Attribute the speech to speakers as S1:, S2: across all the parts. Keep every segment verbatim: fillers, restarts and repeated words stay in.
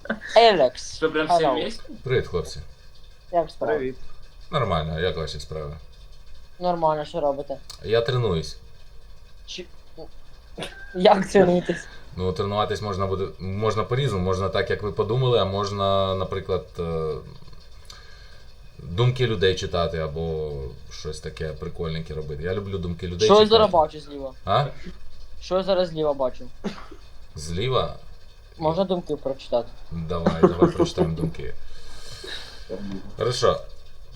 S1: Елекс.
S2: Что, прям все
S1: Hello.
S2: вместе?
S3: Привіт, хлопці.
S1: Як справа?
S4: Привіт.
S3: Нормально, а як ваші справи?
S1: Нормально, що робите?
S3: Я тренуюсь.
S1: Чи... Як тренуєтесь?
S3: Ну, тренуватись можна буде можна по-різному, можна так, як ви подумали, а можна, наприклад, е, думки людей читати або щось таке прикольненьке робити. Я люблю думки людей
S1: Що я
S3: читати.
S1: зараз бачу зліва?
S3: А?
S1: Що я зараз зліва бачу?
S3: Зліва?
S1: Можна думки прочитати?
S3: Давай, давай прочитаємо думки. Хорошо.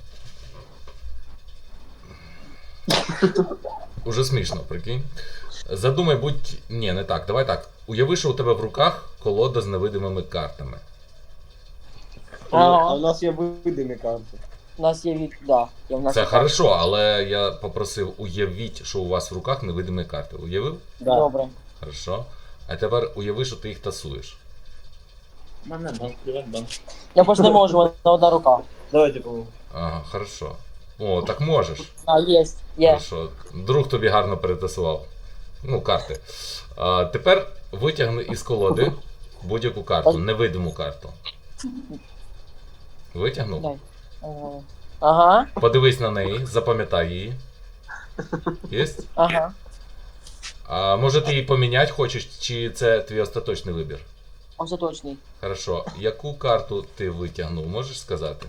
S3: Уже смішно, прикинь. Задумай, будь... Ні, не так, давай так. Уяви, що у тебе в руках колода з невидимими картами.
S1: Ага.
S4: А в нас є видимі карти.
S1: У нас є від... Да, є в нас
S3: Це
S1: є
S3: хорошо, але я попросив, уявіть, що у вас в руках невидимі карти. Уявив?
S4: Да.
S1: Добре.
S3: Хорошо. А тепер уяви, що ти їх тасуєш.
S2: Банан, привет, бан.
S1: Я просто не можу, у мене одна рука.
S4: Давайте помогу.
S3: Ага, хорошо. О, так можеш.
S1: А, є, є.
S3: Хорошо. Друг тобі гарно перетасував. Ну, карти. А, тепер витягни із колоди будь-яку карту, невидиму карту. Витягнув?
S1: Дай. Ага. Ага,
S3: Подивись на неї, запам'ятай її. Єсть?
S1: ага.
S3: А може ти її поміняти хочеш, чи це твій остаточний вибір?
S1: Остаточний.
S3: Хорошо. Яку карту ти витягнув, можеш сказати?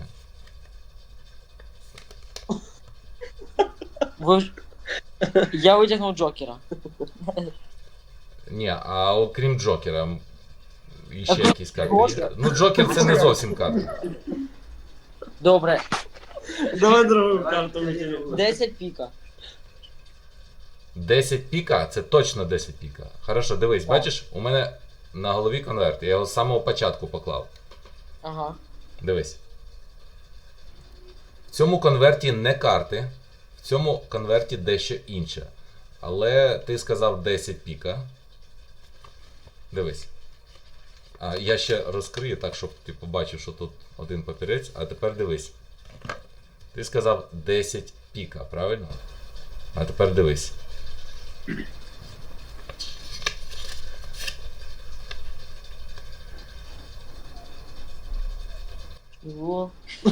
S1: Ви ж... Я витягнув Джокера.
S3: Ні, а окрім Джокера, м, і ще
S1: А
S3: якісь карти
S1: Джокер?
S3: є? Ну, Джокер це не зовсім карта.
S1: Добре.
S4: Давай другу карту витягнемо.
S1: десять піка.
S3: десять піка, це точно десять піка. Хорошо, дивись,
S1: Так.
S3: бачиш, у мене на голові конверт, я його з самого початку поклав.
S1: Ага.
S3: Дивись. В цьому конверті не карти, в цьому конверті дещо інше. Але ти сказав десять піка. Дивись. А я ще розкрию так, щоб ти побачив, що тут один папірець. А тепер дивись. Ти сказав десять піка, правильно? А тепер дивись.
S1: Чого?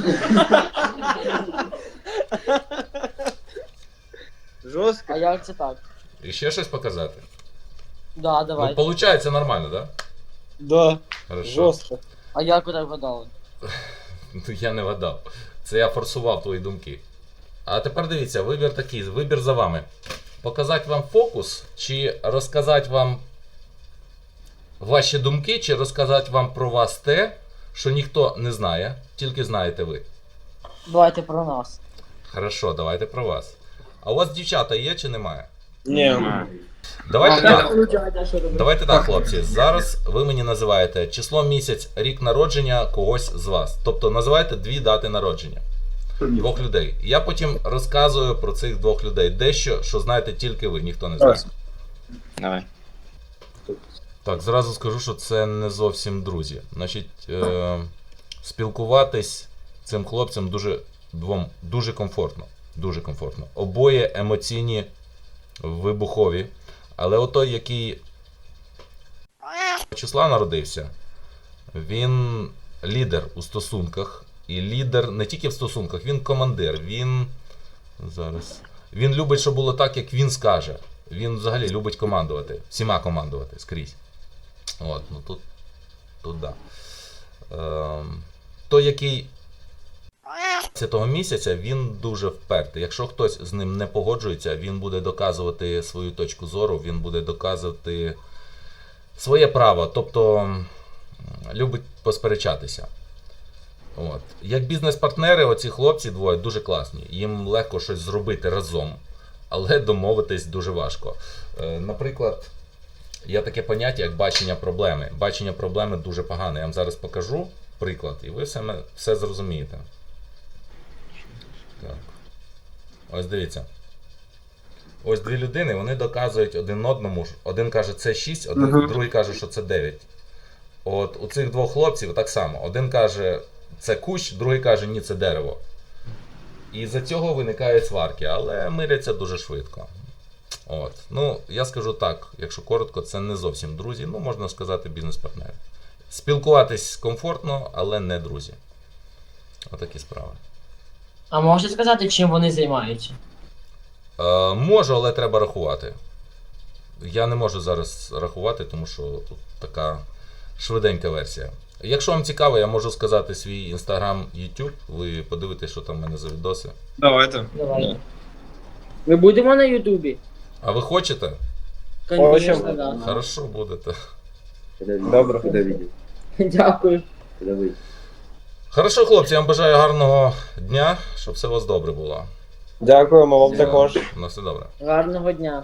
S4: Жорстко.
S1: А як це так?
S3: І ще щось показати?
S1: Да, давай.
S3: Ну, получається нормально, так?
S4: Да.
S3: Хорошо.
S4: Жорстко.
S1: А як ви так вгадали?
S3: Ну, я не вгадав. Це я форсував твої думки. А тепер дивіться, вибір такий, вибір за вами. Показати вам фокус, чи розказати вам ваші думки, чи розказати вам про вас те, що ніхто не знає, тільки знаєте ви.
S1: Давайте про нас.
S3: Хорошо, давайте про вас. А у вас дівчата є чи немає?
S4: Ні.
S3: Давайте так. Давайте так, хлопці. Зараз ви мені називаєте число, місяць, рік народження когось з вас. Тобто називаєте дві дати народження. Двох людей. Я потім розказую про цих двох людей дещо, що знаєте тільки ви, ніхто не знає.
S2: Давай.
S3: Так, зразу скажу, що це не зовсім друзі. Значить, е- спілкуватись цим хлопцям дуже двом дуже комфортно. Дуже комфортно. Обоє емоційні, вибухові. Але отой, який числа народився, він лідер у стосунках. І лідер не тільки в стосунках, він командир. Він зараз. Він любить, щоб було так, як він скаже. Він взагалі любить командувати. Всіма командувати скрізь. От, ну тут. Тут да. Ем, той, який цього місяця, він дуже впертий. Якщо хтось з ним не погоджується, він буде доказувати свою точку зору, він буде доказувати своє право. Тобто м, любить посперечатися. От. Як бізнес-партнери, оці хлопці двоє дуже класні. Їм легко щось зробити разом, але домовитись дуже важко. Е, наприклад, є таке поняття, як бачення проблеми. Бачення проблеми дуже погане. Я вам зараз покажу приклад, і ви все, ме- все зрозумієте. Так. Ось дивіться. Ось дві людини, вони доказують один одному. Один каже, це шість, один,
S4: Мгм.
S3: другий каже, що це дев'ять. От у цих двох хлопців так само. Один каже, це кущ, другий каже, ні, це дерево. І за цього виникають сварки, але миряться дуже швидко. От. Ну, я скажу так, якщо коротко, це не зовсім друзі, ну можна сказати бізнес-партнери. Спілкуватись комфортно, але не друзі. Отакі справи.
S1: А можете сказати, чим вони займаються?
S3: Е, можу, але треба рахувати. Я не можу зараз рахувати, тому що тут така швиденька версія. Якщо вам цікаво, я можу сказати свій інстаграм, YouTube. Ви подивитесь, що там в мене за відоси.
S4: Давайте.
S1: Давай. Ми будемо на Ютубі?
S3: А ви хочете?
S1: Конечно, да.
S3: Хорошо, будете.
S4: Добре.
S5: Когда видел?
S1: Дякую.
S5: Когда выйдет?
S3: Хорошо, хлопці, я вам бажаю гарного дня, щоб все у вас добре було.
S4: Дякуємо вам також.
S3: На все добре.
S1: Гарного дня.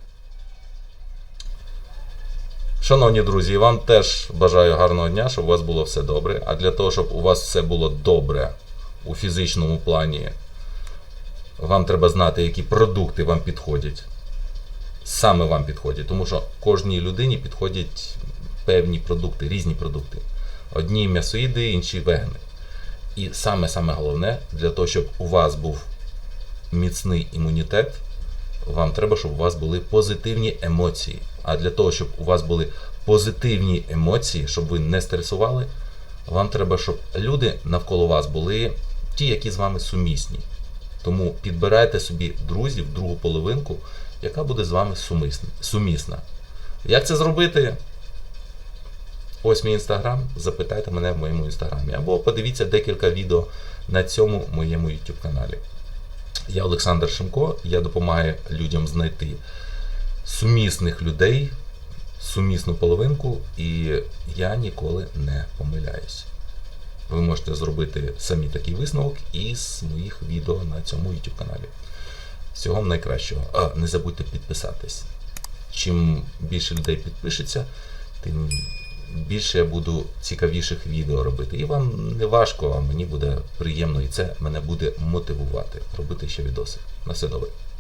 S3: Шановні друзі, вам теж бажаю гарного дня, щоб у вас було все добре. А для того, щоб у вас все було добре у фізичному плані, вам треба знати, які продукти вам підходять. Саме вам підходять. Тому що кожній людині підходять певні продукти, різні продукти. Одні м'ясоїди, інші вегани. І саме-саме головне, для того, щоб у вас був міцний імунітет, вам треба, щоб у вас були позитивні емоції. А для того, щоб у вас були позитивні емоції, щоб ви не стресували, вам треба, щоб люди навколо вас були ті, які з вами сумісні. Тому підбирайте собі друзів, другу половинку, яка буде з вами сумисна- сумісна. Як це зробити? Ось мій інстаграм, запитайте мене в моєму інстаграмі. Або подивіться декілька відео на цьому моєму YouTube каналі. Я Олександр Шимко, я допомагаю людям знайти сумісних людей, сумісну половинку, і я ніколи не помиляюсь. Ви можете зробити самі такий висновок із моїх відео на цьому YouTube каналі. Всього вам найкращого. А, не забудьте підписатись. Чим більше людей підпишеться, тим більше я буду цікавіших відео робити. І вам не важко, а мені буде приємно, і це мене буде мотивувати робити ще відоси. На все добре.